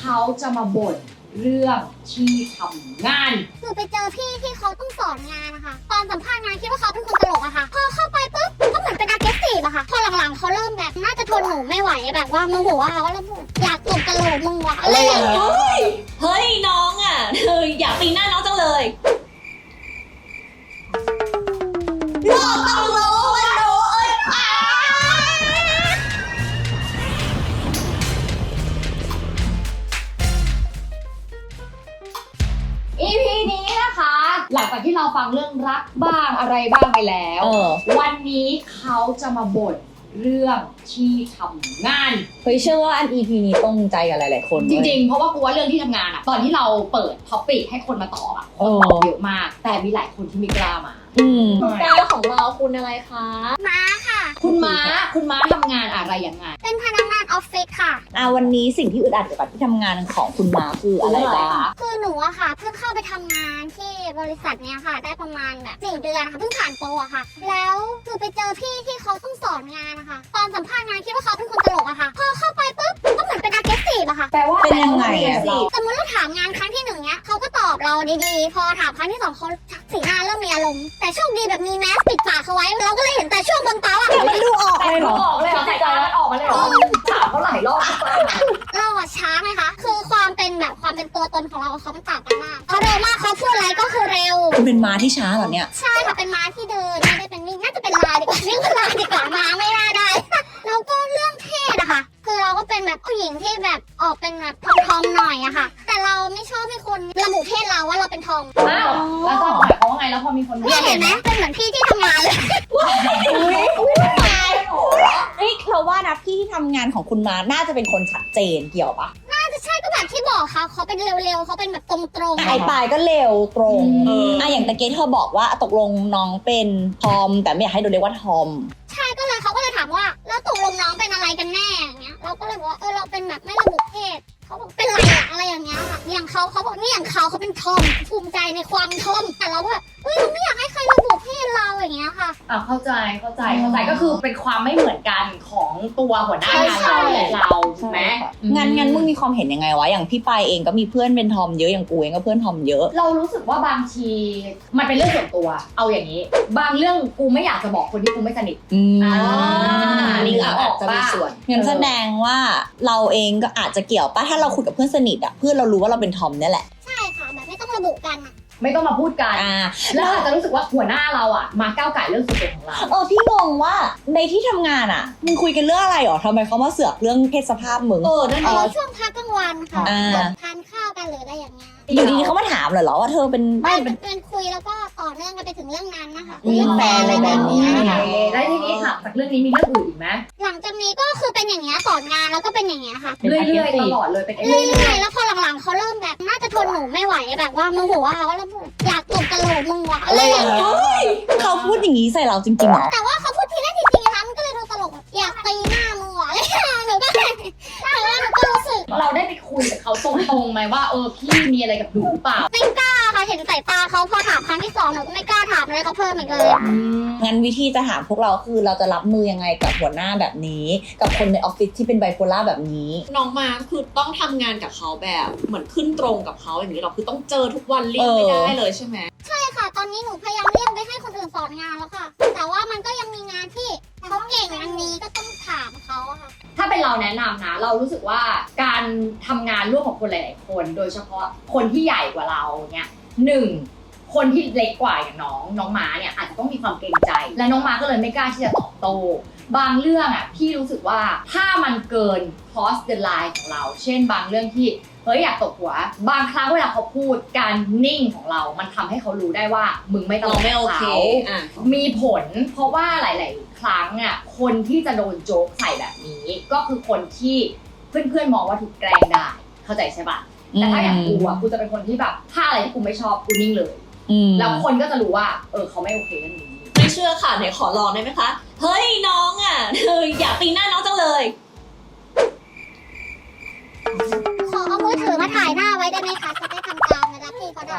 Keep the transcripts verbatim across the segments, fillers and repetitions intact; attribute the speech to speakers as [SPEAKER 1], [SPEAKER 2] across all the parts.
[SPEAKER 1] เขาจะมาบ่นเรื่องที่ทำงาน
[SPEAKER 2] คือไปเจอพี่ที่เขาต้องสอนงานนะคะตอนสัมภาษณ์งานคิดว่าเขาเป็นคนตลกอะค่ะพอเข้าไปปุ๊บก็เหมือนเป็น aggressive อะค่ะพอหลังๆเขาเริ่มแบบน่าจะทนหนูไม่ไหวแบบว่าโมโหอะค่ะว่าแล้วอยากตบกระโหลกมึงวะอะไรอย่างเงี้ย
[SPEAKER 3] เฮ้ยน้องอ่ะเธออยากตีหน้าน้องจังเลยโลกต้องรู้ว่าหนูเอ้ยอ่ะ
[SPEAKER 1] อี พี นี้นะคะ หลังจากที่เราฟังเรื่องรักบ้างอะไรบ้างไปแล้ว วันนี้เขาจะมาบ่นเรื่องที่ทำงาน
[SPEAKER 3] เฮ้ยเชื่อว่าอัน อี พี นี้ตรงใจกับหลายๆคน
[SPEAKER 1] จริงๆเพราะว่ากูว่าเรื่องที่ทำงานอะตอนที่เราเปิดท็อปปิกให้คนมาตอบอะคนตอบเยอะมากแต่มีหลายคนที่ไม่กล้ามา
[SPEAKER 3] อืมแก้วของเราคุณอะไรคะ
[SPEAKER 2] ม้าค่ะ
[SPEAKER 1] คุณม้าคุณม้าทำงานอะไรยังไง
[SPEAKER 2] เป็นพนักงานออฟฟิศค่ะ
[SPEAKER 3] อ่าวันนี้สิ่งที่อึดอัดเกี่ยวกับที่ทำงานของคุณม้าคืออะไรบ้าง
[SPEAKER 2] คือหนูอะค่ะเพิ่งเข้าไปทำงานที่บริษัทเนี้ยค่ะได้ประมาณแบบสี่เดือนค่ะเพิ่งผ่านโปรอะค่ะแล้วคือไปเจอพี่ที่เขาต้องสอนงานนะคะตอนสัมภาษณ์งานคิดว่าเขาเป็นคนตลกอะค่ะพอเข้าไปปุ๊บก็เหมือนเป็น aggressive อะค่ะ
[SPEAKER 1] แปลว่า
[SPEAKER 3] เป็นยังไงอะ
[SPEAKER 2] สมมติเราถามงานครั้งที่หนึ่งเนี้ยเขาก็ตอบเราดีๆพอถามครั้งที่สองเขาสีหน้าเริ่มมีอารมณ์แต่โชคดีแบบมีแมสปิดปากเขาไว้เราก็เลยเห็นแต่ช่วงบนโต๊ะอะ
[SPEAKER 3] มันดูออกเลยเหรอ
[SPEAKER 1] ออกเลยเหรอใส่ใจมันออกมาเลยเหรอถามเขาหลายรอบ
[SPEAKER 2] เราอะช้าไหมคะคือความเป็นแบบความเป็นตัวตนของเราเขามันต่างกันมากเขาเร็วมากเขาพูดอะไรก็คือเร็ว
[SPEAKER 3] คุณเป็นม้าที่ช้าเหรอเนี่ย
[SPEAKER 2] ใช่ค่ะเป็นม้าที่เดินไม่ได้เป็นวิ่งน่าจะเป็นลาดีกว่าเรียกว่าลาดีกว่าม้าไม่น่าได้แล้วก็เรื่องเพศอะค่ะคือเราก็เป็นแบบผู้หญิงที่แบบออกเป็นแบบทอมๆหน่อยอะค่ะแต่เราไม่ชอบให้คนระบุเพศเราว่าเราเป็นทอม
[SPEAKER 1] อ้าวแล้วจะหมายความว่าไงแล้วพอมีคน
[SPEAKER 2] เนี่ยเห็นไหมเป็นเหมือนพี่ที่ทำงานเลย
[SPEAKER 3] เฮ้ยเราว่านะพี่ที่ทำงานของคุณม้าน่าจะเป็นคนชัดเจนเกี่ยวปะ
[SPEAKER 2] น่าจะใช่ก็แบบที่บอกค่ะเขาเป็นเร็วๆเขาเป็นแบบตรงๆ
[SPEAKER 3] ไอ้ปลายก็เร็วตรงอ่ะอย่างตะเกียเธอบอกว่าตกลงน้องเป็นทอมแต่ไม่อยากให้โดนเรียกว่าทอม
[SPEAKER 2] ใช่ก็เลยเขาก็เลยถามว่าแล้วตกลงน้องเป็นอะไรกันแน่อย่างเงี้ยเราก็เลยบอกว่าเออเราเป็นแบบไม่ระบุเพศเขาบอกเป็นไรอะอะไรอย่างเงี้ยค่ะอย่างเขาเขาบอกนี่อย่างเขาเขาเป็นทอมภูมิใจในความทอมแต่เราก็แบบเฮ้ยเราไม่อยากให้ใครระบุเพศเราอย่างเงี้ยค่ะ
[SPEAKER 1] อ่ะเข้าใจเข้าใจเข้าใจก็คือเป็นความไม่เหมือนกันของตัวหัวหน้างานเราและเราใช่ไหม
[SPEAKER 3] งั้นงั้นมึงมีความเห็นยังไงวะอย่างพี่ปายเองก็มีเพื่อนเป็นทอมเยอะอย่างกูเองก็เพื่อนทอมเยอะ
[SPEAKER 1] เรารู้สึกว่าบางทีมันเป็นเรื่องส่วนตัวเอาอย่างนี้บางเรื่องกูไม่อยากจะบอกคนที่กูไม่สนิท
[SPEAKER 3] อ่า
[SPEAKER 1] นี่อาจจะมีส่วน
[SPEAKER 3] งั้นแสดงว่าเราเองก็อาจจะเกี่ยวป่ะถ้าเราคุยกับเพื่อนสนิทอ่ะเพื่อนเรารู้ว่าเราเป็นทอมนี่แหละ
[SPEAKER 2] ใช่ค่ะแบบไม่ต้องระบุกันอ่ะ
[SPEAKER 1] ไม่ต้องมาพูดกันแล้วอาจจะรู้สึกว่าหัวหน้าเราอ่ะมาก้าวไก่เรื่องส่วนตัวของเรา
[SPEAKER 3] เออพี่งงว่าในที่ทำงานอ่ะมึงคุยกันเรื่องอะไรหรอทำไมเขามาเสือกเรื่องเพศสภาพมึง
[SPEAKER 1] เออนั่นเอง
[SPEAKER 2] ช่วงพักกลางวันค่ะทานข้าวกันหรืออะไรอย่างเงี้ย
[SPEAKER 3] อยู่ดีๆเขามาถามเหรอว่าเธอเป็น
[SPEAKER 2] ไม่เป็นเป็นคุยแล้วก็ต่อเนื่องกันไปถึงเรื่องนั้นนะคะ
[SPEAKER 3] เรื่องแฟนอะไรแบบนี้
[SPEAKER 1] แล้วทีนี้ค่ะจากเรื่องนี้มีเรื่องอื่นอีกไหม
[SPEAKER 2] หลังจากนี้ก็คือเป็นอย่างเงี้ยสอนงานแล้วก็เป็นอย่างเงี้ยค่ะ
[SPEAKER 1] เรื่อยๆตลอดเลยเป็น
[SPEAKER 2] เรื่อยๆแล้วพอหลังๆเขาเริ่มแบบน่าจะทนหนูไม่ไหวแบบว่าโมโหอะค่ะว่าแล้วอยากตบกระโหลกมึงวะอะไรอย่างเงี้ย
[SPEAKER 3] เขาพูดอย่างนี้ใส่เราจริงๆเหรอ
[SPEAKER 2] แต่ว่าเขาพูดทีแรกจริงๆนะคะมันก็เลยดูตลกอยากตีหน้ามึงวะอะไรอย่างเงี้ยหนูก็เลยแต่ว่าหนูก็รู้สึก
[SPEAKER 1] เราได้ไปคุยกับเขาตรงๆไหมว่าเออพี่มีอะไรกับหนูหรือเปล่า
[SPEAKER 2] ไม่กล้าค่ะเห็นสายตาเขาพอถามครั้งที่สองหนูก็ไม่กล้าถามเลยเขาเพิ่มอีกเลย
[SPEAKER 3] งั้นวิธีจะถามพวกเราคือเราจะรับมือยังไงกับหัวหน้าแบบนี้กับคนในออฟฟิศที่เป็นไบโพล่าแบบนี้
[SPEAKER 4] น้องมาคือต้องทำงานกับเขาแบบเหมือนขึ้นตรงกับเขาอย่างนี้เราคือต้องเจอทุกวันเลี่ยงไม่ได้เลยใช่ไหม
[SPEAKER 2] ใช่ค่ะตอนนี้หนูพยายามเลี่ยงไปให้คนอื่นสอนงานแล้วค่ะแต่ว่ามันก็ยังมีงานที่เขาเก่งอันนี้ก็ต้องถามเขาค่ะ
[SPEAKER 1] ถ้าเป็นเราแนะนำนะเรารู้สึกว่าการทำงานร่วมกับคนหลายๆคนโดยเฉพาะคนที่ใหญ่กว่าเราเนี่ยหนึ่งคนที่เล็กกว่าอย่างน้องน้องม้าเนี่ยอาจจะต้องมีความเกรงใจและน้องม้าก็เลยไม่กล้าที่จะตอบโต้บางเรื่องอ่ะพี่รู้สึกว่าถ้ามันเกิน cross the line ของเราเช่นบางเรื่องที่เฮ้ยอยากตบหัวบางครั้งเวลาเขาพูดการนิ่งของเรามันทำให้เขารู้ได้ว่ามึงไม่ตลกเขามีผลเพราะว่าหลายๆครั้งอ่ะคนที่จะโดนโจ๊กใส่แบบนี้ก็คือคนที่เพื่อนๆมองว่าถูกแกล้งได้เข้าใจใช่ปะแต่ถ้าอย่างกูอ่ะกูจะเป็นคนที่แบบถ้าอะไรที่กูไม่ชอบกูนิ่งเลยแล้วคนก็จะรู้ว่าเออเขาไม่โอเคเรื่องนี้
[SPEAKER 4] ไม่เชื่อค่ะไหนขอลองได้ไหมคะเฮ้ยน้องอ่ะเธออยากตีหน้าน้องจังเลย
[SPEAKER 2] ขอเอามือถือมาถ่ายหน้าไว้ได้ไหมคะจะได้ทำตามเวลาพี่เขาด่า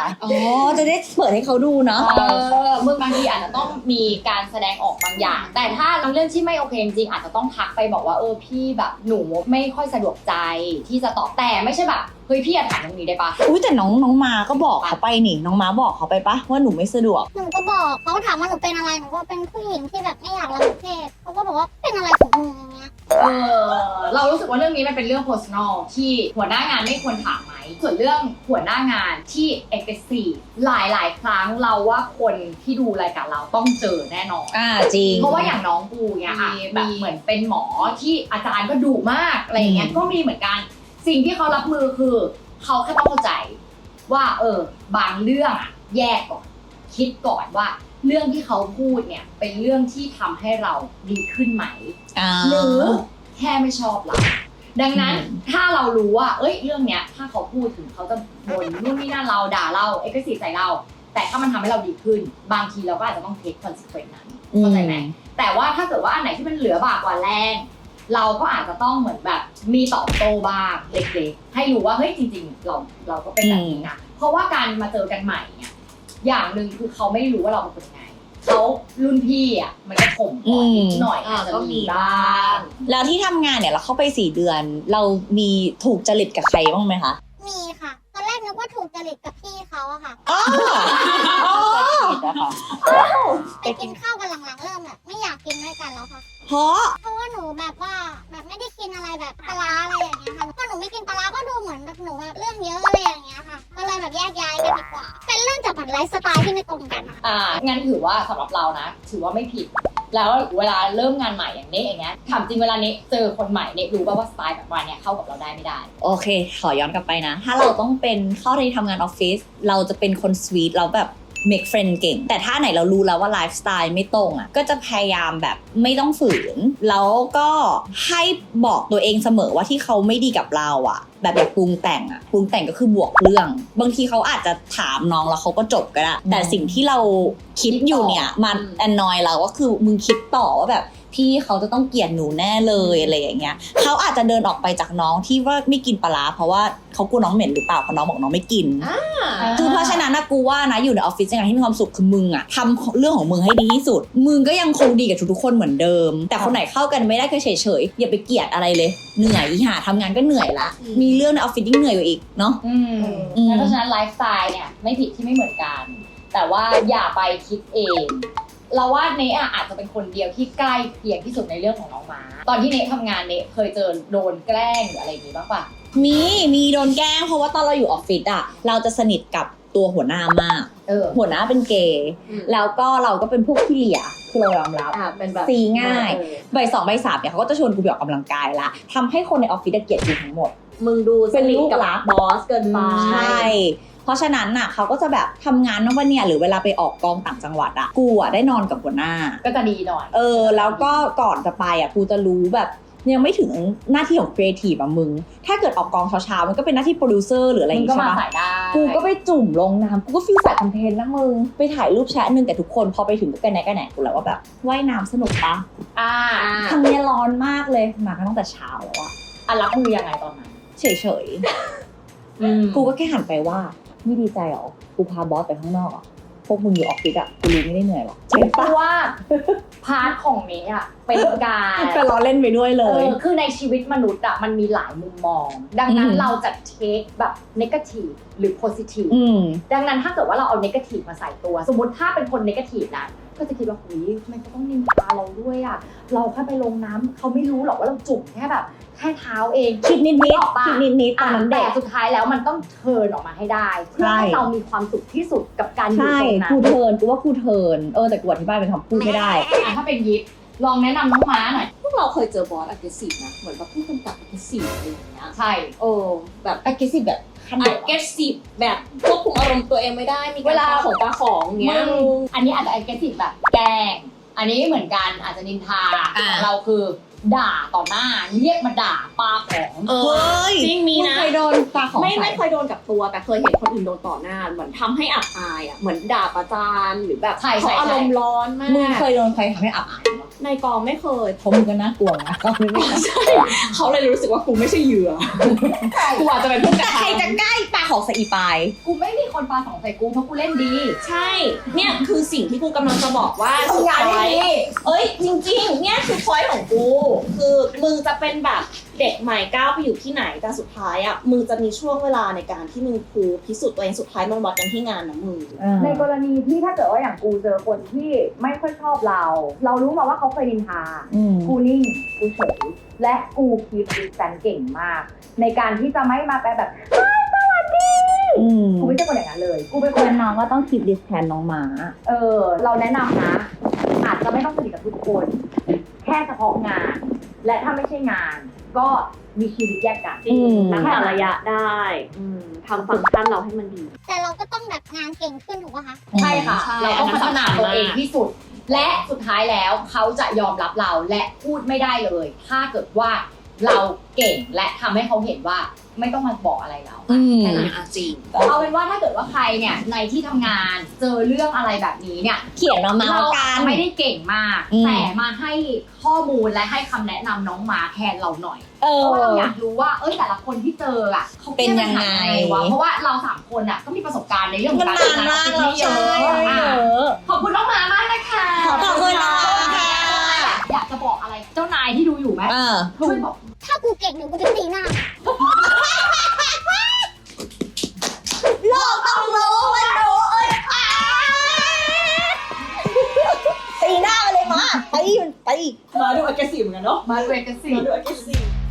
[SPEAKER 3] อ๋อจะได้เปิดให้เขาดูเนาะ
[SPEAKER 1] เออมึงบางทีอาจจะต้องมีการแสดงออกบางอย่าง แต่ถ้าเรื่องที่ไม่โอเคจริงๆอาจจะต้องทักไปบอกว่าเออพี่แบบหนูไม่ค่อยสะดวกใจที่จะตอบแต่ไม่ใช่แบบเฮ้ยพี่อยากถามตรงนี้ได้ปะ
[SPEAKER 3] อุ้ยแต่น้องน้องมาก็บอกเขาไปนี่น้องมาบอกเขาไปปะว่าหนูไม่สะดวก
[SPEAKER 2] หนูก็บอกเขาถามว่าหนูเป็นอะไรหนูก็เป็นผู้หญิงที่แบบไม่อยากระบุเพศเขาก็บอกว่าเป็นอะไรของมึงอย่างเงี้ย
[SPEAKER 1] เออเรารู้สึกว่าเรื่องนี้มันเป็นเรื่อง personal ที่หัวหน้างานไม่ควรถามไหมส่วนเรื่องหัวหน้างานที่ aggressive หลายหลายๆครั้งเราว่าคนที่ดูรายการเราต้องเจอแน่นอน
[SPEAKER 3] อ่าจริง
[SPEAKER 1] เพราะว่าอย่างน้องปูเนี่ยอ่ะแบบเหมือนเป็นหมอที่อาจารย์ก็ดุมากอะไรอย่างเงี้ย
[SPEAKER 3] อืม
[SPEAKER 1] ก็มีเหมือนกันสิ่งที่เขารับมือคือเขาแค่ต้องเข้าใจว่าเออบางเรื่องอะแยกก่อนคิดก่อนว่าเรื่องที่เขาพูดเนี่ยเป็นเรื่องที่ทำให้เราดีขึ้นไหม
[SPEAKER 3] อ่า
[SPEAKER 1] หรือแค่ไม่ชอบเราดังนั้น
[SPEAKER 3] อืม
[SPEAKER 1] ถ้าเรารู้ว่าเอ้ยเรื่องเนี้ยถ้าเขาพูดถึงเขาจะบ่นนู่นนี่นั่นเราด่าเราเอ็กซ์ซีใส่เราแต่ถ้ามันทำให้เราดีขึ้น บางทีเราก็อาจจะต้องเทคคอนซิเควนซ์นั้นเข้าใจไหมแต่ว่าถ้าเกิดว่าอันไหนที่มันเหลือบากกว่าแรงเราก็อาจจะต้องเหมือนแบบมีตอบโต้บ้างเล็กๆให้รู้ว่าเฮ้ยจริงๆเราเราก็เป็นแบบนี้นะเพราะว่าการมาเจอกันใหม่เนี่ยอย่างหนึ่งคือเขาไม่รู้ว่าเราเป็นคนยังไงเขารุ่นพี่อ่ะมันก็ข่มก่อนนิดหน่อย
[SPEAKER 4] อ่า
[SPEAKER 1] อาจจะ
[SPEAKER 4] ก็
[SPEAKER 1] มี
[SPEAKER 4] มี
[SPEAKER 1] บ้า
[SPEAKER 4] บ้าง ง
[SPEAKER 3] แล้วที่ทำงานเนี่ยเราเข้าไปสี่เดือน เรามีถูกจริตกับใครบ้างไหมคะ
[SPEAKER 2] มีค่ะ ตอนแรกนึกว่าถูกจริตกับพี่เขาอะค่ะ
[SPEAKER 3] อ๋ออ๋อ
[SPEAKER 2] ไปกินข้าวกันหลังๆเริ่มแบบไม่อยากกินด้วยกันแล้วค่ะ
[SPEAKER 3] เพราะ
[SPEAKER 2] เพราะว่าหนูแบบว่าแบบไม่ได้กินอะไรแบบปลาร้าอะไรอย่างเงี้ยค่ะพอหนูไม่กินปลาร้าก็ดูเหมือนแบบหนูแบบเรื่องเยอะอะไรอย่างเงี้ยค่ะ ก็เลยแบบแยกย้ายกันดีกว่า เป็นเรื่องจากแบบไลฟ์สไตล์ที่ไม่ตรงกันอะ
[SPEAKER 1] อ่างั้นถือว่าสำหรับเรานะ ถือว่าไม่ผิด แล้วเวลาเริ่มงานใหม่อย่างเนี้ยอย่างเงี้ยถามจริงเวลาเนี้ยเจอคนใหม่เนี้ยรู้ป่าว่าสไตล์แบบวันเนี้ยเข้ากับเราได้ไม่ได้
[SPEAKER 3] โอเค ขอย้อนกลับไปนะ ถ้าเราต้องเป็นเข้าในทำงานออฟฟิศ เราจะเป็นคนสวีทเราแบบ make friend เก่ง แต่ถ้าไหนเรารู้แล้วว่าไลฟ์สไตล์ไม่ตรงอ่ะ ก็จะพยายามแบบไม่ต้องฝืน แล้วก็ให้บอกตัวเองเสมอว่าที่เขาไม่ดีกับเราอ่ะ แบบอยากปรุงแต่งอ่ะ ปรุงแต่งก็คือบวกเรื่อง บางทีเขาอาจจะถามน้องแล้วเขาก็จบก็ได้ แต่สิ่งที่เราคิดอยู่เนี่ยมันแอนนอยเราก็คือมึงคิดต่อว่าแบบพี่เขาจะต้องเกลียดหนูแน่เลยอะไรอย่างเงี้ยเขาอาจจะเดินออกไปจากน้องที่ว่าไม่กินปลาร้าเพราะว่าเขากลัวน้องเหม็นหรือเปล่าเพราะน้องบอกน้องไม่กิน คือเพราะฉะนั้นนะกูว่านะอยู่ในออฟฟิศยังไงที่มีความสุขคือมึงอะทำเรื่องของมึงให้ดีที่สุด มึงก็ยังคงดีกับทุกๆคนเหมือนเดิม แต่คนไหนเข้ากันไม่ได้ก็เฉยๆอย่าไปเกลียดอะไรเลยเหนื่อยอีห่าทำงานก็เหนื่อยละ
[SPEAKER 4] อืม
[SPEAKER 3] มีเรื่องในออฟฟิศยิ่งเหนื่อยกว่าอีกเนาะ
[SPEAKER 1] อืม
[SPEAKER 3] อืม
[SPEAKER 1] เพราะฉะนั้นไลฟ์สไตล์เนี่ยไม่ผิดที่ไม่เหมือนกัน แต่ว่าอย่าไปคิดเอง เราว่าเนอะอาจจะเป็นคนเดียวที่ใกล้เคียงที่สุดในเรื่องของน้องม้า ตอนที่เนทำงานเนเคยเจอโดนแกล้งหรืออะไรอย่างนี้บ้างปะ
[SPEAKER 3] มีมีโดนแกล้งเพราะว่าตอนเราอยู่ออฟฟิศอะเราจะสนิทกับตัวหัวหน้ามาก
[SPEAKER 1] เออ
[SPEAKER 3] หัวหน้าเป็นเกย์
[SPEAKER 4] อืม
[SPEAKER 3] แล้วก็เราก็เป็นพวกที่เหลี่ยคือเรายอมรับ
[SPEAKER 4] อ่าเป็นแบบ
[SPEAKER 3] ซีง่าย
[SPEAKER 4] เออ
[SPEAKER 3] ใบสองใบสามเนี่ยเขาก็จะชวนกูไปออกกำลังกายละทำให้คนในออฟฟิศเกลียดกูทั้งหมด
[SPEAKER 4] มึงดู
[SPEAKER 3] เป็นลูก
[SPEAKER 4] กับ
[SPEAKER 3] รัก
[SPEAKER 4] บอสเกินไป
[SPEAKER 3] ใช่ เพราะฉะนั้นน่ะเขาก็จะแบบทำงานนอกวันเนี่ยหรือเวลาไปออกกองต่างจังหวัดอะกูอะได้นอนกับหัวหน้า
[SPEAKER 1] ก็จะดีหน่อย
[SPEAKER 3] เออ แล้วก็ก่อนจะไปอะกูจะรู้แบบยังไม่ถึงหน้าที่ของครีเอทีฟอะมึง ถ้าเกิดออกกองเช้าๆมันก็เป็นหน้าที่โปรดิวเซอร์หรืออะไรอ
[SPEAKER 1] มึ
[SPEAKER 3] ย่าง ง
[SPEAKER 1] ก็
[SPEAKER 3] งี้
[SPEAKER 1] มา
[SPEAKER 3] ใช่ปะ
[SPEAKER 1] ใส่ได้
[SPEAKER 3] กูก็ไปจุ่มลงน้ำกูก็ฟิลสายคอนเทนต์นะมึงไปถ่ายรูปแชะนึงแต่ทุกคนพอไปถึงก็กันไหนกันไหนกูแล้วว่าแบบว่ายน้ำสนุกปะ
[SPEAKER 1] อ่า
[SPEAKER 4] อ่า
[SPEAKER 3] ทางเนี้ยร้อนมากเลยมากันตั้งแต่เช้าแล้วอะ
[SPEAKER 1] อ่ะรับมือยังไงตอนนั้น
[SPEAKER 3] เฉยๆ กูก็แค่หันไปว่าไม่ดีใจหรอ กูพาบอสไปข้างนอกอ่ะ พวกมึงอยู่ออฟฟิศอ่ะ กูรู้ไม่ได้เหนื่อยหรอก
[SPEAKER 1] เพราะว่าพาร์ทของเนี้อ่ะเป็นการ
[SPEAKER 3] ก็ล้อเล่นไปด้วยเล
[SPEAKER 1] เอย อคือในชีวิตมนุษย์อะมันมีหลายมุมมอง ดังนั้น
[SPEAKER 3] อืม
[SPEAKER 1] เราจะเทคแบบนกาทีฟหรือโพซิทีฟ
[SPEAKER 3] อืม
[SPEAKER 1] ดังนั้นถ้าเกิดว่าเราเอานกาทีฟมาใส่ตัว สมมติถ้าเป็นคนนกาทีฟนะก็จะคิดว่าหุยทำไมเขาต้องนินทาเราด้วยอะเราแค่ไปลงน้ำเขาไม่รู้หรอกว่าเราจุ่มแค่แบบแค่เท้าเอง
[SPEAKER 3] คิดนิดนิด
[SPEAKER 1] ออกปะ
[SPEAKER 3] คิดนิดนิดตอนนั้น
[SPEAKER 1] แต่
[SPEAKER 3] เด็ก
[SPEAKER 1] สุดท้ายแล้วมันต้องเทิร์นออกมาให้ได้เพื่อ
[SPEAKER 3] ใช่
[SPEAKER 1] ให้เรามีความสุขที่สุดกับการอยู่
[SPEAKER 3] ใช่
[SPEAKER 1] ตรงนั้น
[SPEAKER 3] กูเทิร์นกูว่ากูเทิร์นเออแต่กูอธิบายเป็นคำพูดไม่ได้
[SPEAKER 1] อ่ะถ้าเป็นยิปลองแนะนำน้องม้าหน่อย
[SPEAKER 4] พวกเราเคยเจอบอส aggressive นะ เหมือนแบบผู้กำกับ aggressive อะไรอย่างเงี้ย
[SPEAKER 1] ใช่
[SPEAKER 4] โอ้แบบ
[SPEAKER 3] aggressive แบบขั้นไหนวะ
[SPEAKER 4] aggressive แบบควบคุมอารมณ์ตัวเองไม่ได้ มีการปาของปาของเงี้ย
[SPEAKER 1] มึงอันนี้อาจจะ aggressive แบบแกล้ง อันนี้เหมือนกันอาจจะนินทา
[SPEAKER 3] อ่า
[SPEAKER 1] ของเราคือด่าต่อหน้าเรียกมาด่าปาของ
[SPEAKER 4] เออ
[SPEAKER 3] เฮ้ย
[SPEAKER 4] จริงมีนะ
[SPEAKER 3] งเคยโดนปลาของ
[SPEAKER 4] ไม่
[SPEAKER 3] ใส่
[SPEAKER 4] ไม่เคยโดนกับตัว แต่เคยเห็นคนอื่นโดนต่อหน้า เหมือนทำให้อับอายอ่ะ เหมือนด่าประจานหรือแบบ
[SPEAKER 1] ใช่
[SPEAKER 4] เขา
[SPEAKER 1] ใช่
[SPEAKER 4] อาร
[SPEAKER 1] ใช่
[SPEAKER 4] มณ์ร้อนมา
[SPEAKER 3] มึง
[SPEAKER 4] ก
[SPEAKER 3] เคยโดนใครทำให้อับอายเหรอ
[SPEAKER 4] ในกองไม่เคย
[SPEAKER 3] เพราะมึงก็น่ากลัวนะก็ไม่ได้
[SPEAKER 4] เขาเลยรู้สึกว่ากูไม่ใช่เหยื่อ กูอาจจะเป็นผู้กระ
[SPEAKER 3] ใคร
[SPEAKER 4] ทำ
[SPEAKER 3] จะใกล้ปากของสอีปาย
[SPEAKER 1] กูไม่มีคนปาสองใส่กูเพราะกูเล่นดี
[SPEAKER 4] ใช่เนี่ยคือสิ่งที่กูกำลังจะบอกว่าสุด
[SPEAKER 1] ทำงานได้
[SPEAKER 4] ท้าย
[SPEAKER 1] ดี
[SPEAKER 4] เอ้ยจริงๆ เนี่ยคือพอยต์ของกู คือมึงจะเป็นแบบเด็กใหม่ก้าวไปอยู่ที่ไหนแต่สุดท้ายอ่ะมึงจะมีช่วงเวลาในการที่มึงคูพิสูจน์ตัวเองสุดท้ายมันวัดกันที่งานนะมึง
[SPEAKER 1] ในกรณีที่ถ้าเกิดว่าอย่างกูเจอคนที่ไม่ค่อยชอบเรา เรารู้มาว่าเขาเคยนินทา
[SPEAKER 3] อืม
[SPEAKER 1] กูนิ่ง กูเฉย และกูคีปดิสแตนเก่งมาก ในการที่จะไม่มาไปแบบเฮ้ยสวัสดี
[SPEAKER 3] อืม
[SPEAKER 1] กูไม่ใช่คนอย่างนั้นเลย กูเป็นค
[SPEAKER 3] เพื่อน นน้องก็ต้องคิดดิสแทนน้องหมา
[SPEAKER 1] เออ เราแนะนำนะ อาจจะไม่ต้องสนิทกับทุกคน แค่เฉพาะงาน และถ้าไม่ใช่งาน ก็มีชีวิตแยกกัน
[SPEAKER 3] อืม
[SPEAKER 5] รักษาระยะได้อืมทำฟังก์ชันเราให้มันดี
[SPEAKER 2] แต่เราก็ต้องแบบงานเก่งขึ้นถูกป่ะคะ
[SPEAKER 1] ใช่ค่ะ
[SPEAKER 4] ใช่
[SPEAKER 1] เราต้องพัฒนาตัวเอง
[SPEAKER 4] อันนั้นสำคัญมาก
[SPEAKER 1] ที่สุด และสุดท้ายแล้วเขาจะยอมรับเราและพูดไม่ได้เลย ถ้าเกิดว่าเราเก่งและทำให้เขาเห็นว่าไม่ต้องมาบอกอะไรเรา
[SPEAKER 3] อืม
[SPEAKER 1] แค่นั้น
[SPEAKER 4] อ่ะจริง
[SPEAKER 1] เอาเป็นว่าถ้าเกิดว่าใครเนี่ยในที่ทำงานเจอเรื่องอะไรแบบนี้เนี่ย
[SPEAKER 3] เขียนมาเมา
[SPEAKER 1] เรา
[SPEAKER 3] กั
[SPEAKER 1] อาจ
[SPEAKER 3] น
[SPEAKER 1] จะไม่ได้เก่งมาก
[SPEAKER 3] อืม
[SPEAKER 1] แต่มาให้ข้อมูลและให้คำแนะนำน้องมาแทนเราหน่อย
[SPEAKER 3] เอ
[SPEAKER 1] เพ
[SPEAKER 3] อ
[SPEAKER 1] ราะว่าเราอยากรู้ว่าเอ้ยแต่ละคนที่เจออ่ะเขาแก้ปัญหา
[SPEAKER 3] เป็นยังไง
[SPEAKER 1] วะเพราะว่าเราสามคนอ่ะก็มีประสบการณ์ในเรื่องขอ
[SPEAKER 3] มัน
[SPEAKER 1] งการ
[SPEAKER 3] นาน
[SPEAKER 1] ทำงาน
[SPEAKER 3] มาก
[SPEAKER 1] ที่
[SPEAKER 3] แล้ว
[SPEAKER 1] เย
[SPEAKER 3] ใช่
[SPEAKER 1] อะ
[SPEAKER 3] เย
[SPEAKER 1] อ่ะ
[SPEAKER 3] อะ
[SPEAKER 1] ขอบคุณน้องมามากนะคะ
[SPEAKER 3] ขอบคุณน้องค่ะ
[SPEAKER 1] อยากจะบอกอะไรเจ้านายที่ดูอยู่ไหม
[SPEAKER 3] เออ
[SPEAKER 1] ช่วยบอก
[SPEAKER 2] ถ้ากูเก่งเดี๋ยวกูจะตีหน้า
[SPEAKER 3] โลกต้องรู้มันรู้เอ้ยตีหน้ามาเลยมาไปไป
[SPEAKER 4] มาดู aggressive เหมือนกันเนาะ
[SPEAKER 1] มาเวกสิ
[SPEAKER 4] มาดู aggressive